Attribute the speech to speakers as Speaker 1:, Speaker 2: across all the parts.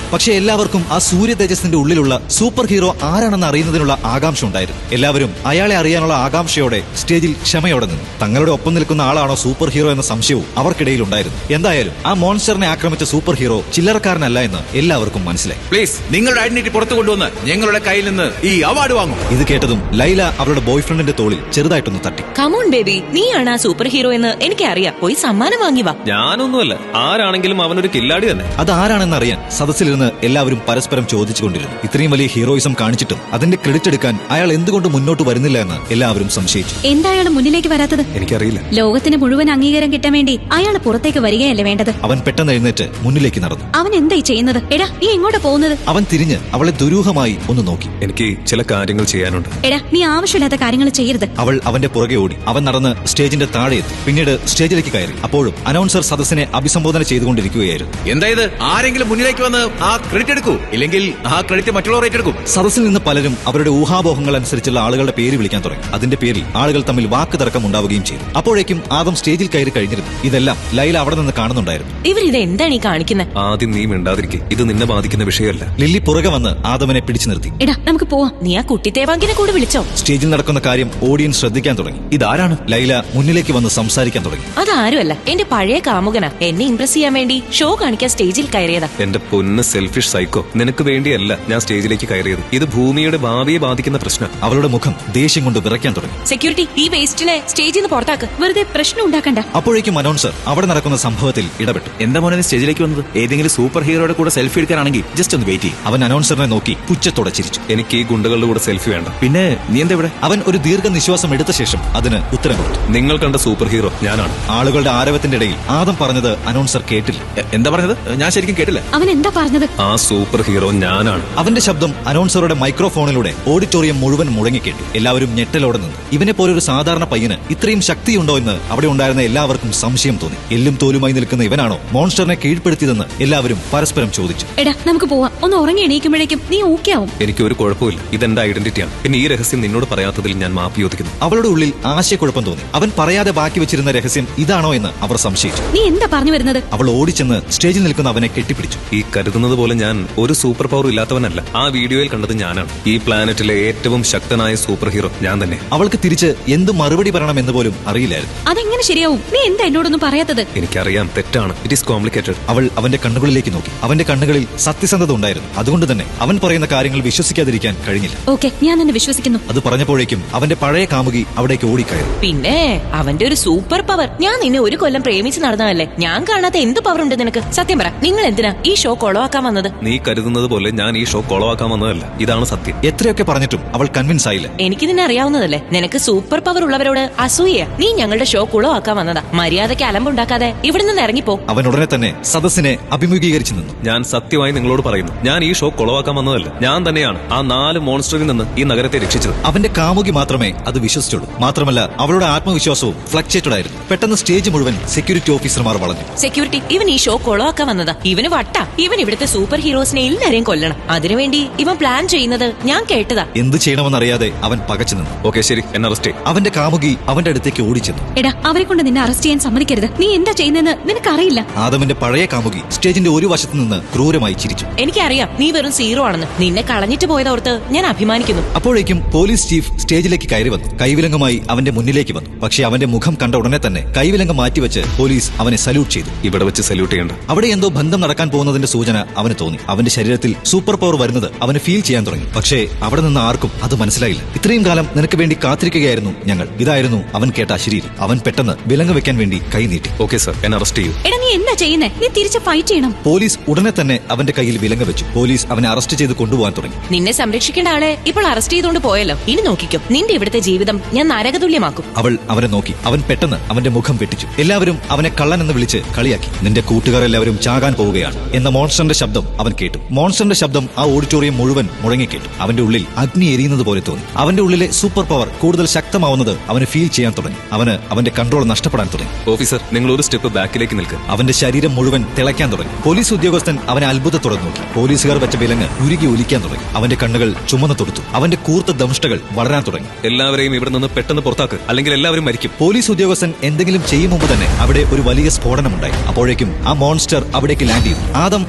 Speaker 1: പക്ഷെ എല്ലാവർക്കും ആ സൂര്യ തേജസ്സിന്റെ ഉള്ളിലുള്ള സൂപ്പർ ഹീറോ ആരാണെന്ന് അറിയുന്നതിനുള്ള ആകാംക്ഷ ഉണ്ടായിരുന്നു. എല്ലാവരും അയാളെ അറിയാനുള്ള ആകാംക്ഷയോടെ സ്റ്റേജിൽ ക്ഷമയോടെ നിന്നു. തങ്ങളുടെ ഒപ്പം നിൽക്കുന്ന ആളാണോ സൂപ്പർ ഹീറോ എന്ന സംശയവും അവർക്കിടയിൽ ഉണ്ടായിരുന്നു. എന്തായാലും ആ മോൺസ്റ്ററിനെ ആക്രമിച്ച സൂപ്പർ ഹീറോ ചില്ലറക്കാരനല്ല എന്ന് എല്ലാവർക്കും മനസ്സിലായി.
Speaker 2: പ്ലീസ് നിങ്ങളുടെ ഐഡന്റിറ്റി പുറത്തു കൊണ്ടുവന്ന് ഞങ്ങളുടെ കയ്യിൽ നിന്ന് ഈ അവാർഡ് വാങ്ങും.
Speaker 1: ഇത് കേട്ടതും ലൈല അവരുടെ ബോയ്ഫ്രണ്ടിന്റെ തോളിൽ ചെറുതായിട്ടൊന്ന് തട്ടി.
Speaker 3: കമോൺ ബേബി, നീയാണ് ആ സൂപ്പർ ഹീറോ എന്ന് എനിക്കറിയാം. പോയി സമ്മാനം വാങ്ങി വാ.
Speaker 4: ഞാനൊന്നുമല്ല, ആരാണെങ്കിലും അവനൊരു കില്ലാടി തന്നെ.
Speaker 1: അത് ആരാണെന്ന് അറിയാൻ സദസ്സിലിരുന്ന് എല്ലാവരും പരസ്പരം ചോദിച്ചുകൊണ്ടിരുന്നു. ഇത്രയും വലിയ ഹീറോയിസം കാണിച്ചിട്ടും അതിന്റെ ക്രെഡിറ്റ് എടുക്കാൻ അയാൾ എന്തുകൊണ്ട് മുന്നോട്ട് വരുന്നില്ല എന്ന് എല്ലാവരും സംശയിച്ചു.
Speaker 5: എന്താ അയാൾ മുന്നിലേക്ക് വരാത്തത്?
Speaker 4: എനിക്കറിയില്ല.
Speaker 5: ലോകത്തിന് മുഴുവൻ അംഗീകാരം കിട്ടാൻ വേണ്ടി അയാൾ പുറത്തേക്ക് വരികയല്ലേ വേണ്ടത്?
Speaker 1: അവൻ പെട്ടെന്ന് എഴുന്നേറ്റ് മുന്നിലേക്ക് നടന്നു.
Speaker 5: അവൻ എന്തായി ചെയ്യുന്നത്? എടാ, നീ എങ്ങോട്ട് പോകുന്നത്?
Speaker 1: അവൻ തിരിഞ്ഞ് അവളെ ദുരൂഹമായി ഒന്ന് നോക്കി.
Speaker 4: എനിക്ക് ചില കാര്യങ്ങൾ ചെയ്യാനുണ്ട്.
Speaker 5: എടാ, നീ ആവശ്യമില്ലാത്ത കാര്യങ്ങൾ ചെയ്യരുത്.
Speaker 1: അവൾ അവന്റെ പുറകെ ഓടി. അവൻ നടന്ന് സ്റ്റേജിന്റെ താഴെ എത്തി. പിന്നീട് സ്റ്റേജിലേക്ക് കയറി. അപ്പോഴും അനൗൺസർ സദസ്സിനെ അഭിസംബോധന ചെയ്തുകൊണ്ടിരിക്കുകയായിരുന്നു.
Speaker 2: എന്തായത്? ആരെങ്കിലും മുന്നിലേക്ക് വന്ന് ആ ക്രെഡിറ്റ് എടുക്കൂ, ഇല്ലെങ്കിൽ ആ ക്രെഡിറ്റ് മറ്റുള്ളവർ ഏറ്റെടുക്കും.
Speaker 1: സദസ്സിൽ നിന്ന് പലരും അവരുടെ ഊഹാപോഹങ്ങൾ അനുസരിച്ചുള്ള ആളുകളുടെ പേര് വിളിക്കാൻ തുടങ്ങി. അതിന്റെ പേരിൽ ആളുകൾ തമ്മിൽ വാക്ക് തർക്കം ഉണ്ടാവുകയും ചെയ്തു. അപ്പോഴേക്കും ആദം സ്റ്റേജിൽ കയറി കഴിഞ്ഞിരുന്നു. ഇതെല്ലാം ലൈല അവിടെ നിന്ന് കാണുന്നുണ്ടായിരുന്നു.
Speaker 3: ഇവരിത് എന്താണ് ഈ കാണിക്കുന്നത്?
Speaker 4: ആദ്യം നീ മിണ്ടാതിരിക്കെ, ഇത് നിന്നെ ബാധിക്കുന്ന വിഷയമല്ല.
Speaker 1: ലില്ലി പുറകെ വന്ന് ആദമിനെ പിടിച്ചു നിർത്തി.
Speaker 5: എടാ, നമുക്ക് പോവാം.
Speaker 3: നീ ആ കുട്ടി തേവാങ്കിനെ കൂടെ വിളിച്ചോ?
Speaker 1: സ്റ്റേജിൽ നടക്കുന്ന കാര്യം ഓഡിയൻസ് ശ്രദ്ധിക്കാൻ തുടങ്ങി. ഇതാരാണ്? ലൈല മുന്നിലേക്ക് വന്ന് സംസാരിക്കാൻ തുടങ്ങി.
Speaker 3: അതാരുമല്ല, എന്റെ പഴയ കാമുകനാ. എന്നെ ഇംപ്രസ് ചെയ്യാൻ വേണ്ടി ഷോ കാണിക്കാൻ സ്റ്റേജിൽ കയറിയതാ.
Speaker 4: എന്റെ പൊന്ന് സെൽഫിഷ് സൈക്കോ, നിനക്ക് വേണ്ടിയല്ല ഞാൻ സ്റ്റേജിലേക്ക് കയറിയത്. ഇത് ഭൂമിയുടെ ഭാവിയെ ബാധിക്കുന്ന പ്രശ്നം.
Speaker 1: അവളുടെ മുഖം ദേഷ്യം കൊണ്ട് വിറയ്ക്കാൻ തുടങ്ങി.
Speaker 3: സെക്യൂരിറ്റി, ഈ വേസ്റ്റിനെ സ്റ്റേജിൽ നിന്ന് പുറത്താക്ക്.
Speaker 5: വെറുതെ പ്രശ്നം ഉണ്ടാക്കണ്ട.
Speaker 1: അപ്പോഴേക്കും അനൗൺസർ അവിടെ നടക്കുന്ന സംഭവത്തിൽ ഇടപെട്ടു.
Speaker 2: എന്താ മോനെ സ്റ്റേജിലേക്ക് വന്നത്? ഏതെങ്കിലും സൂപ്പർ ഹീറോയുടെ കൂടെ സെൽഫി എടുക്കാനാണെങ്കിൽ ജസ്റ്റ് ഒന്ന് വെയിറ്റ് ചെയ്യും.
Speaker 1: അവൻ അനൗൺസറിനെ നോക്കി പുച്ഛത്തോടെ ചിരിച്ചു.
Speaker 4: എനിക്ക് ഈ ഗുണ്ടകളുടെ കൂടെ സെൽഫി വേണ്ട.
Speaker 2: പിന്നെ നീ എന്താ ഇവിടെ?
Speaker 1: അവൻ ഒരു ദീർഘനിശ്വാസം എടുത്ത ശേഷം അതിന് ഉത്തരം കൊടുത്തു.
Speaker 4: നിങ്ങൾ കണ്ട സൂപ്പർ ഹീറോ ഞാനാണ്.
Speaker 1: ആളുകളുടെ ആരവത്തിന്റെ ഇടയിൽ ആദം പറഞ്ഞത് അനൗൺസർ കേട്ടില്ല.
Speaker 2: എന്താ പറഞ്ഞത്? ഞാൻ ശരിക്കും കേട്ടില്ല.
Speaker 5: അവൻ എന്താ പറഞ്ഞത്?
Speaker 4: ആ സൂപ്പർ ഹീറോ ഞാനാണ്.
Speaker 1: അവന്റെ ശബ്ദം അനൗൺസറുടെ മൈക്രോഫോണിലൂടെ ഓഡിറ്റോറിയം മുഴുവൻ മുഴങ്ങിക്കേട്ടു. എല്ലാവരും ഞെട്ടലോടെ നിന്നു. ഇവനെ പോലൊരു സാധാരണ പയ്യന് ഇത്രയും ശക്തിയുണ്ടോ എന്ന് അവിടെ ഉണ്ടായിരുന്ന എല്ലാവർക്കും സംശയം തോന്നി. എല്ലും തോലുമായി നിൽക്കുന്ന ഇവനാണോ മോൺസ്റ്ററിനെ കീഴ്പ്പെടുത്തിയതെന്ന് എല്ലാവരും പരസ്പരം ചോദിച്ചു.
Speaker 5: എടാ, നമുക്ക് പോവാം. ഒന്ന് ഉറങ്ങി എണീക്കുമ്പോഴേക്കും നീ ഓക്കെ ആവും.
Speaker 4: എനിക്ക് ഒരു കുഴപ്പമില്ല. ഇതെന്റെ ഐഡന്റിറ്റിയാണ്. പിന്നെ ഈ രഹസ്യം നിന്നോട് പറയാത്തതിൽ ഞാൻ മാപ്പ് ചോദിക്കുന്നു.
Speaker 1: അവളുടെ ഉള്ളിൽ ആശയക്കുഴപ്പം തോന്നി. അവൻ പറയാതെ ബാക്കി വെച്ചിരുന്ന രഹസ്യം ഇതാണോ എന്ന് അവർ സംശയിച്ചു.
Speaker 5: നീ എന്താ പറഞ്ഞു വരുന്നത്?
Speaker 1: അവൾ ഓടിച്ചെന്ന് സ്റ്റേജിൽ നിൽക്കുന്ന അവനെ കെട്ടിപ്പിടിച്ചു.
Speaker 4: ഈ കരുതുന്നത് പോലെ ഞാൻ ഒരു സൂപ്പർ പവർ ഇല്ലാത്തവനല്ല. ആ വീഡിയോയിൽ കണ്ടത് ഞാനാണ്. ഈ പ്ലാനറ്റിലെ ഏറ്റവും ശക്തനായ സൂപ്പർ ഹീറോ ഞാൻ തന്നെ.
Speaker 1: അവൾക്ക് തിരിച്ച് എന്ത് മറുപടി പറയണമെന്ന് പോലും അറിയില്ലായിരുന്നു.
Speaker 5: അതെങ്ങനെ ശരിയാവും? നീ എന്താ എന്നോടൊന്നും പറയാത്തത്?
Speaker 4: എനിക്കറിയാം, തെറ്റാണ്. It is complicated.
Speaker 1: അവൾ അവന്റെ കണ്ണുകളിലേക്ക് നോക്കി. അവന്റെ കണ്ണുകളിൽ സത്യസന്ധത ഉണ്ടായിരുന്നു. അതുകൊണ്ട് തന്നെ അവൻ പറയുന്ന കാര്യങ്ങൾ വിശ്വസിക്കാതിരിക്കാൻ കഴിഞ്ഞില്ല.
Speaker 5: ഓക്കെ, ഞാൻ നിന്നെ വിശ്വസിക്കുന്നു.
Speaker 1: അത് പറഞ്ഞപ്പോഴേക്കും അവന്റെ പഴയ കാമുകി അവിടേക്ക് ഓടിക്കയറി.
Speaker 3: പിന്നെ അവന്റെ ഒരു സൂപ്പർ പവർ. ഞാൻ നിന്നെ ഒരു കൊല്ലം പ്രേമിച്ച് നടന്നതല്ലേ. ഞാൻ കാണാത്ത എന്ത് പവർ ഉണ്ട് നിനക്ക്? സത്യം പറ, നിങ്ങൾ എന്തിനാ ഈ ഷോ കൊളവാക്കാൻ വന്നത്?
Speaker 4: നീ കരുതുന്നത് പോലെ ഞാൻ ഈ ഷോ കൊളവാക്കാൻ വന്നതല്ല. ഇതാണ് സത്യം.
Speaker 1: എത്രയൊക്കെ പറഞ്ഞിട്ടും അവൾ കൺവിൻസ് ആയില്ല.
Speaker 3: എനിക്ക് നിന്നെ അറിയാവുന്നതല്ലേ. നിനക്ക് സൂപ്പർ പവർ ഉള്ളവരോട് അസൂയ. നീ ഞങ്ങളുടെ ഷോ കുളവാക്കാൻ വന്നതാ. മര്യാദയ്ക്ക് അലമ്പുണ്ടാക്കാതെ ഇവിടെ നിന്ന് ഇറങ്ങിപ്പോ.
Speaker 1: അവൻ ഉടനെ തന്നെ സദസ്സിനെ അഭിമുഖീകരിച്ചു നിന്നു.
Speaker 4: ഞാൻ സത്യമായി നിങ്ങളോട് പറയുന്നു, ഞാൻ ഈ ഷോ കൊളവാക്കാൻ വന്നതല്ല. ഞാൻ തന്നെയാണ് ആ 4 മോൺസ്റ്ററിൽ നിന്ന് ഈ നഗരത്തെ രക്ഷിച്ചത്.
Speaker 1: അവന്റെ കാമുകി മാത്രമേ അത് വിശ്വസിച്ചുള്ളൂ. മാത്രമല്ല അവളുടെ ആത്മവിശ്വാസവും ഫ്ലക്ചേറ്റഡ് ആയിരുന്നു. പെട്ടെന്ന് സ്റ്റേജ് മുഴുവൻ സെക്യൂരിറ്റി ഓഫീസർമാർ വളഞ്ഞു.
Speaker 3: സെക്യൂരിറ്റി, ഇവൻ ഈ ഷോ കൊളവാക്കാൻ വന്നതാ. ഇവന് വട്ട. ഇവൻ ഇവിടുത്തെ സൂപ്പർ ഹീറോസിനെ എല്ലാരെയും കൊല്ലണം. അതിനുവേണ്ടി ഇവൻ പ്ലാൻ ചെയ്യുന്നത് ഞാൻ കേട്ടതാ.
Speaker 1: എന്ത് ചെയ്യണമെന്നറിയാതെ അവൻ പകച്ചു നിന്നു.
Speaker 4: ഓക്കെ, ശരി, എന്നെ അറസ്റ്റ് ചെയ്യും.
Speaker 1: അവന്റെ കാമുകി അവന്റെ അടുത്തേക്ക് ഓടിച്ചെന്നു.
Speaker 5: എടാ, അവരെ കൊണ്ട് നിന്നെ അറസ്റ്റ് ചെയ്യാൻ സമ്മതിക്കരുത്. നീ എന്താ ചെയ്യുന്നതെന്ന് നിനക്കറിയില്ല.
Speaker 1: ആദമിന്റെ പഴയ കാമുകി സ്റ്റേജിന്റെ ഒരു വശത്ത് നിന്ന് ക്രൂരമായി ചിരിച്ചു.
Speaker 3: എനിക്കറിയാം നീ വെറും സീറോ ആണെന്ന്. നിന്നെ കളഞ്ഞിട്ട് പോയതോർത്ത് ഞാൻ അഭിമാനിക്കുന്നു.
Speaker 1: അപ്പോഴേക്കും പോലീസ് ചീഫ് സ്റ്റേജിലേക്ക് കയറി വന്നു. കൈവിലങ്ങുമായി അവന്റെ മുന്നിലേക്ക് വന്നു. പക്ഷേ അവന്റെ മുഖം കണ്ട ഉടനെ തന്നെ കൈവിലങ്ങ് മാറ്റിവെച്ച് പോലീസ് അവനെ സല്യൂട്ട് ചെയ്തു.
Speaker 4: ഇവിടെ വെച്ച് സല്യൂട്ട് ചെയ്യണ്ട.
Speaker 1: അവിടെ എന്തോ ബന്ധം നടക്കാൻ പോകുന്നതിന്റെ സൂചന അവന് തോന്നി. അവന്റെ ശരീരത്തിൽ സൂപ്പർ പവർ വരുന്നത് അവന് ഫീൽ ചെയ്യാൻ തുടങ്ങി. പക്ഷേ അവിടെ നിന്ന് ആർക്കും അത് മനസ്സിലായില്ല. ഇത്രയും കാലം നിനക്ക് വേണ്ടി കാത്തിരിക്കുകയായിരുന്നു ഞങ്ങൾ. ഇതായിരുന്നു അവൻ കേട്ട അശരീരി. അവൻ പെട്ടെന്ന് വിലങ്ങ് വെക്കാൻ വേണ്ടി കൈ നീട്ടി.
Speaker 4: ഓക്കെ സർ, എന്നെ അറസ്റ്റ് ചെയ്യൂ.
Speaker 5: എടാ, നീ എന്താ ചെയ്യുന്നേ? നീ തിരിച്ച് ഫൈറ്റ് ചെയ്യണം.
Speaker 1: പോലീസ് ഉടനെ തന്നെ അവന്റെ കയ്യിൽ വിലങ്ങ് വെച്ചു. പോലീസ് അവനെ അറസ്റ്റ് ചെയ്ത് കൊണ്ടുപോകാൻ തുടങ്ങി.
Speaker 3: നിന്നെ സംരക്ഷിക്കേണ്ട ആളെ ഇപ്പോൾ അറസ്റ്റ് ചെയ്തുകൊണ്ട് പോയല്ലോ. ഇനി നോക്കിക്കും, നിന്റെ ഇവിടുത്തെ ജീവിതം ഞാൻ നരകതുല്യമാക്കും.
Speaker 1: അവൾ അവനെ നോക്കി. അവൻ പെട്ടെന്ന് അവന്റെ മുഖം വെട്ടിച്ചു. എല്ലാവരും അവനെ കള്ളൻ എന്ന് വിളിച്ച് കളിയാക്കി. നിന്റെ കൂട്ടുകാർ എല്ലാവരും ചാകാൻ പോവുകയാണ് എന്ന മോൺസ്റ്ററിന്റെ ശബ്ദം അവൻ കേട്ടു. മോൺസ്റ്ററിന്റെ ശബ്ദം ആ ഓഡിറ്റോറിയം മുഴുവൻ മുഴങ്ങിക്കേട്ടു. അവന്റെ ഉള്ളിൽ അഗ്നി എരിയുന്നത് പോലെ തോന്നി. അവന്റെ ഉള്ളിലെ സൂപ്പർ പവർ കൂടുതൽ ശക്തമാവുന്നത് അവന് ഫീൽ ചെയ്യാൻ തുടങ്ങി. അവന് അവന്റെ കൺട്രോൾ നഷ്ടപ്പെടാൻ തുടങ്ങി.
Speaker 4: ഓഫീസർ, നിങ്ങൾ ഒരു സ്റ്റെപ്പ് ബാക്കിലേക്ക് നിൽക്കുക.
Speaker 1: അവന്റെ ശരീരം മുഴുവൻ തിളയ്ക്കാൻ തുടങ്ങി. പോലീസ് ഉദ്യോഗസ്ഥൻ അവനെ അത്ഭുതത്തോടെ നോക്കി. പോലീസുകാർ വെച്ച വിലങ്ങ് ഉരുകി ഒലിക്കാൻ തുടങ്ങി. അവന്റെ കണ്ണുകൾ ചുമന്നു തൊടുത്തു. അവന്റെ കൂർത്ത ദംഷ്ടകൾ വളരാൻ തുടങ്ങി.
Speaker 4: എല്ലാവരെയും ഇവിടെ നിന്ന് പെട്ടെന്ന് പുറത്താക്ക്, അല്ലെങ്കിൽ എല്ലാവരും മരിക്കും.
Speaker 1: പോലീസ് ഉദ്യോഗസ്ഥൻ എന്തെങ്കിലും ചെയ്യും മുമ്പ് തന്നെ അവിടെ ഒരു വലിയ സ്ഫോടനമുണ്ടായി. അപ്പോഴേക്കും ആ മോൺസ്റ്റർ അവിടേക്ക് ലാൻഡ് ചെയ്തു. ആദം മോൺസ്റ്ററിനെ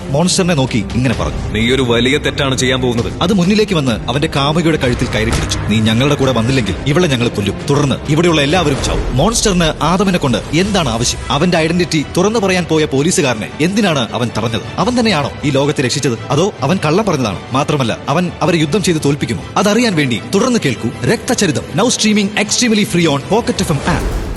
Speaker 1: മോൺസ്റ്ററിനെ നോക്കി ഇങ്ങനെ പറഞ്ഞു.
Speaker 4: നീ ഒരു വലിയ തെറ്റാണ് ചെയ്യാൻ പോകുന്നത്.
Speaker 1: അത് മുന്നിലേക്ക് വന്ന് അവന്റെ കാമുകിയുടെ കഴുത്തിൽ കയറി പിടിച്ചു. നീ ഞങ്ങളുടെ കൂടെ വന്നില്ലെങ്കിൽ ഇവളെ ഞങ്ങൾ കൊല്ലും, തുടർന്ന് ഇവിടെയുള്ള എല്ലാവരും ചാവും. മോൺസ്റ്ററിന് ആദമിനെ കൊണ്ട് എന്താണ് ആവശ്യം? അവന്റെ ഐഡന്റിറ്റി തുറന്നു പറയാൻ പോയ പോലീസുകാരനെ എന്തിനാണ് അവൻ തടഞ്ഞത്? അവൻ തന്നെയാണോ ഈ ലോകത്തെ രക്ഷിച്ചത്, അതോ അവൻ കള്ളം പറഞ്ഞതാണോ? മാത്രമല്ല അവൻ അവരെ യുദ്ധം ചെയ്ത് തോൽപ്പിക്കുമോ? അതറിയാൻ വേണ്ടി തുടർന്ന് കേൾക്കൂ Rakthacharitham. Now streaming extremely free on pocket FM app.